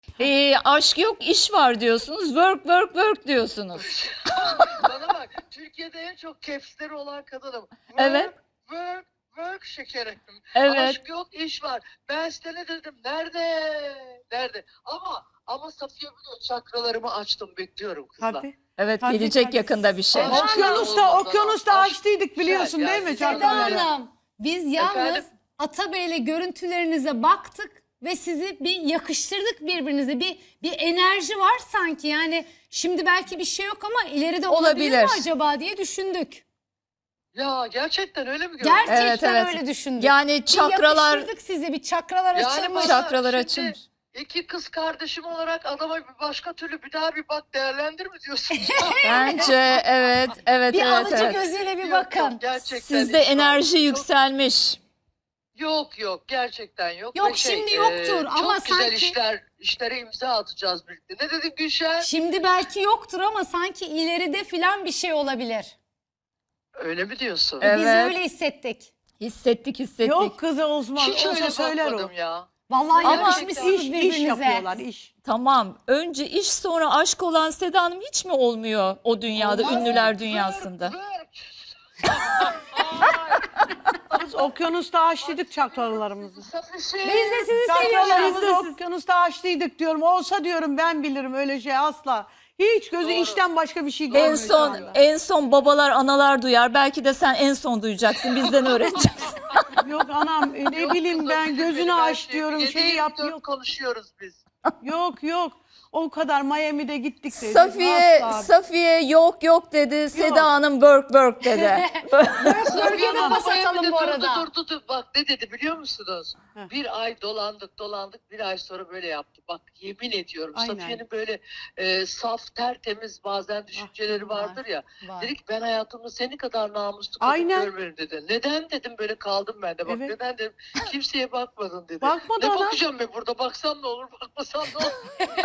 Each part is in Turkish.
Aşk yok, iş var diyorsunuz. Work, work, work diyorsunuz. Bana bak, Türkiye'de en çok caps'leri olan kadınım. Work, Evet. work, work şekerim. Evet. Aşk yok, iş var. Ben size ne dedim? Nerede? Nerede? Ama Safiye biliyor, çakralarımı açtım, bekliyorum kızlar. Tabii. Evet, Tabii, gelecek tabii. yakında bir şey. Ama- Okyanusta Aşk açtıydık biliyorsun güzel değil mi? yani. Çok Seda güzel. Hanım, biz yalnız Efendim? Atabey'le görüntülerinize baktık ve sizi bir yakıştırdık birbirinize. Bir enerji var sanki. Yani şimdi belki bir şey yok ama ileride olabilir mi Olabilir. acaba diye düşündük. Ya gerçekten öyle mi gördün? Gerçekten Evet. öyle düşündük. Yani Bir çakralar, yakıştırdık sizi, bir çakralar Yani açılmış. bana çakralar şimdi açılmış. İki kız kardeşim olarak adama bir başka türlü bir daha bir bak, değerlendir mi diyorsun? Bence evet, evet, Bir evet, alıcı evet. gözüyle bir Yok, bakın. yok, gerçekten Sizde hiç var. enerji Çok- yükselmiş. Yok gerçekten yok. Yok, Ve şimdi yoktur ama çok güzel sanki- işlere imza atacağız birlikte. Ne dedin Gülşen? Şimdi belki yoktur ama sanki ileride filan bir şey olabilir. Öyle mi diyorsun? Evet. Biz öyle hissettik. Hissettik. Yok kızı Osman Hiç olsa öyle söyler o. bakmadım ya. Vallahi Ama yakışmışsınız İş birbirinize. yapıyorlar iş. Tamam. Önce iş sonra aşk olan Seda Hanım hiç mi olmuyor o dünyada, Olmaz. ünlüler dünyasında? Biz okyanusta açtıydık çakralarımızı. Safisi. Biz de sizi seviyoruz. Çakralarımızı okyanusta açtıydık diyorum. Olsa diyorum ben bilirim öyle şey asla. Hiç gözü Doğru. işten başka bir şey görmüyor. En şu son anda. en son babalar, analar duyar. Belki de sen en son duyacaksın. Bizden öğreneceksin. Yok anam ne Yok bileyim kızım, ben bizim gözünü benim her aç şeyim. diyorum Yedi, şeyi yap 24 yok. konuşuyoruz biz. Yok. O kadar Miami'de gittik dedi. Safiye Asla. Safiye yok dedi. Seda Hanım work dedi. Bölgede Ama pas atalım Miami'de bu arada. Durdu. Bak ne dedi biliyor musunuz? Heh. Bir ay dolandık. Bir ay sonra böyle yaptı. Bak yemin ediyorum. Aynen. Safiye'nin böyle saf, tertemiz bazen düşünceleri var. vardır ya. Var. Dedi ki ben hayatımda seni kadar namuslu kadın Aynen. görmedim dedi. Neden dedim, böyle kaldım ben de. Bak Evet. neden dedim. Kimseye bakmadın dedi. Bakmadı Ne adam. bakacağım ben burada? Baksam ne olur, bakmasam ne olur?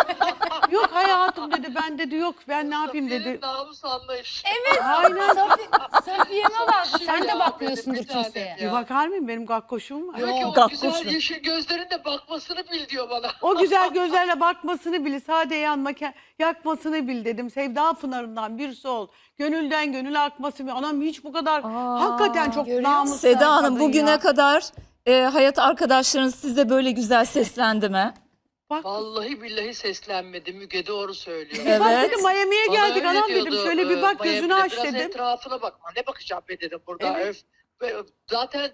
Yok hayatım dedi ben dedi yok ben ne yapayım Safiye'nin dedi. namus anlayışı. Aynen. Safiye'me bak. Sen de Ya, bakmıyorsundur bir tanem kimseye. Bir bakar mıyım benim gakkoşum var. Diyor ki o Gakkoş güzel mu? yeşil gözlerin de bakmasını bil diyor bana. O güzel gözlerle bakmasını bil, sade yakmasını bil dedim. Sevda pınarından bir su ol. Gönülden gönüle akması bil. Anam hiç bu kadar hakikaten çok görüyor namuslu musun? Seda Hanım kadın bugüne ya. kadar hayat arkadaşlarınız size böyle güzel seslendi mi? Bak, Vallahi billahi seslenmedi. Müge doğru söylüyor. Evet. bak dedim Miami'ye Bana geldik öyle anam dedim. diyordu, Şöyle bir bak gözünü Miami'de aç biraz dedim. etrafına bakma. Ne bakacağım be dedim burada. Evet. Öf. Zaten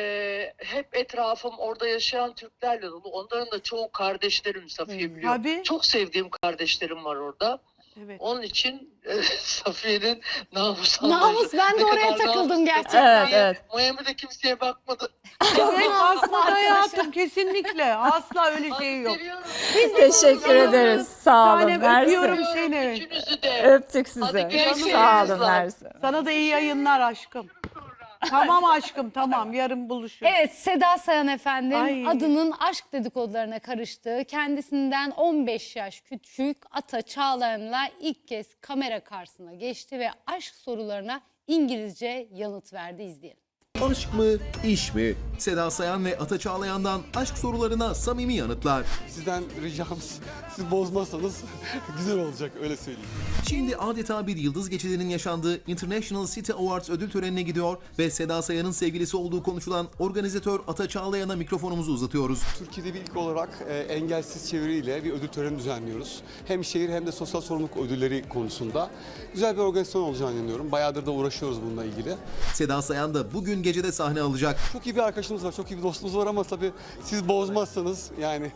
hep etrafım orada yaşayan Türklerle dolu. Onların da çoğu kardeşlerim, Safiye biliyor. Tabii. Çok sevdiğim kardeşlerim var orada. Evet. Onun için Safiye'nin namus Namus, ben de Ne oraya kadar takıldım namuslu. gerçekten. Evet. Miami'de kimseye bakmadı. Evet asla arkadaşlar. hayatım kesinlikle. Asla öyle şey yok. Seviyorum. Teşekkür ederiz. Sağ olun. Tanem, öpüyorum Mersi. seni. Üçünüzü de. Öptük sizi. Hadi görüşürüz. Sağ olun Mersi. Sana da iyi yayınlar aşkım. Tamam aşkım tamam yarın buluşuruz. Evet, Seda Sayan efendim Ay. adının aşk dedikodularına karıştığı, kendisinden 15 yaş küçük Ata Çağlayan'la ilk kez kamera karşısına geçti ve aşk sorularına İngilizce yanıt verdi. İzleyelim. Aşk mı, iş mi? Seda Sayan ve Ata Çağlayan'dan aşk sorularına samimi yanıtlar. Sizden ricamız, siz bozmazsanız güzel olacak, öyle söyleyeyim. Şimdi adeta bir yıldız geçidinin yaşandığı International City Awards ödül törenine gidiyor ve Seda Sayan'ın sevgilisi olduğu konuşulan organizatör Ata Çağlayan'a mikrofonumuzu uzatıyoruz. Türkiye'de bir ilk olarak engelsiz çeviriyle bir ödül töreni düzenliyoruz. Hem şehir hem de sosyal sorumluluk ödülleri konusunda. Güzel bir organizasyon olacağını inanıyorum. Bayağıdır da uğraşıyoruz bununla ilgili. Seda Sayan da bugün gecede sahne alacak. Çok iyi bir arkadaşımız var, çok iyi bir dostumuz var ama tabii siz bozmazsanız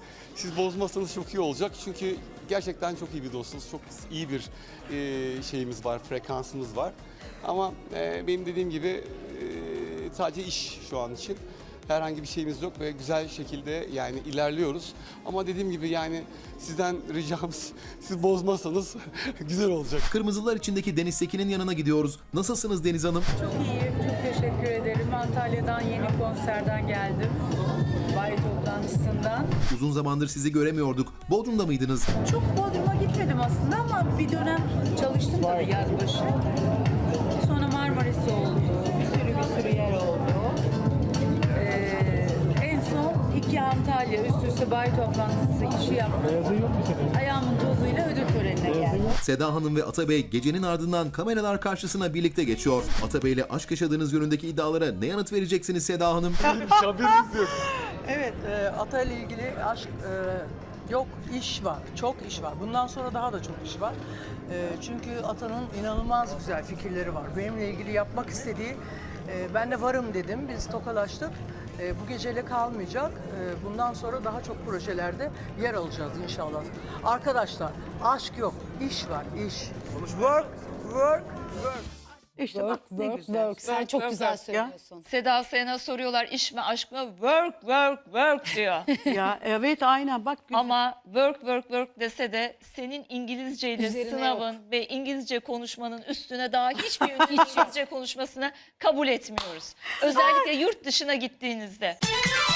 çok iyi olacak. Çünkü gerçekten çok iyi bir dostumuz, çok iyi bir şeyimiz var, frekansımız var. Ama benim dediğim gibi sadece iş şu an için. Herhangi bir şeyimiz yok ve güzel şekilde yani ilerliyoruz. Ama dediğim gibi yani sizden ricamız, siz bozmazsanız güzel olacak. Kırmızılar içindeki Deniz Sekin'in yanına gidiyoruz. Nasılsınız Deniz Hanım? Çok iyiyim, çok teşekkür ederim. Antalya'dan yeni konserden geldim. Bayi toplantısından. Uzun zamandır sizi göremiyorduk. Bodrum'da mıydınız? Çok Bodrum'a gitmedim aslında ama bir dönem çalıştım tabii yaz başı. Sonra Marmaris oldu, bir sürü yer oldu. En son 2 Antalya üst üste bayi toplantısı işi yaptım. Ayağımın tozuyla ödül törenine geldim. Seda Hanım ve Atabey gecenin ardından kameralar karşısına birlikte geçiyor. Atabey ile aşk yaşadığınız yönündeki iddialara ne yanıt vereceksiniz Seda Hanım? Haberiniz yok. Evet, Ata ile ilgili aşk yok, iş var, çok iş var. Bundan sonra daha da çok iş var. Çünkü Ata'nın inanılmaz güzel fikirleri var. Benimle ilgili yapmak istediği, ben de varım dedim, biz tokalaştık. Bu geceyle kalmayacak. Bundan sonra daha çok projelerde yer alacağız inşallah. Arkadaşlar, aşk yok, iş var, iş. Work, work, work. İşte Work, bak ne work, güzel. work. Sen çok güzel söylüyorsun. Seda Sayan'a soruyorlar iş mi aşk mı? Work, work, work diyor. Ya evet aynen bak. güzel. Ama work, work, work dese de senin İngilizceyle Üzerine sınavın ve İngilizce konuşmanın üstüne daha hiçbir İngilizce konuşmasını kabul etmiyoruz. Özellikle yurt dışına gittiğinizde.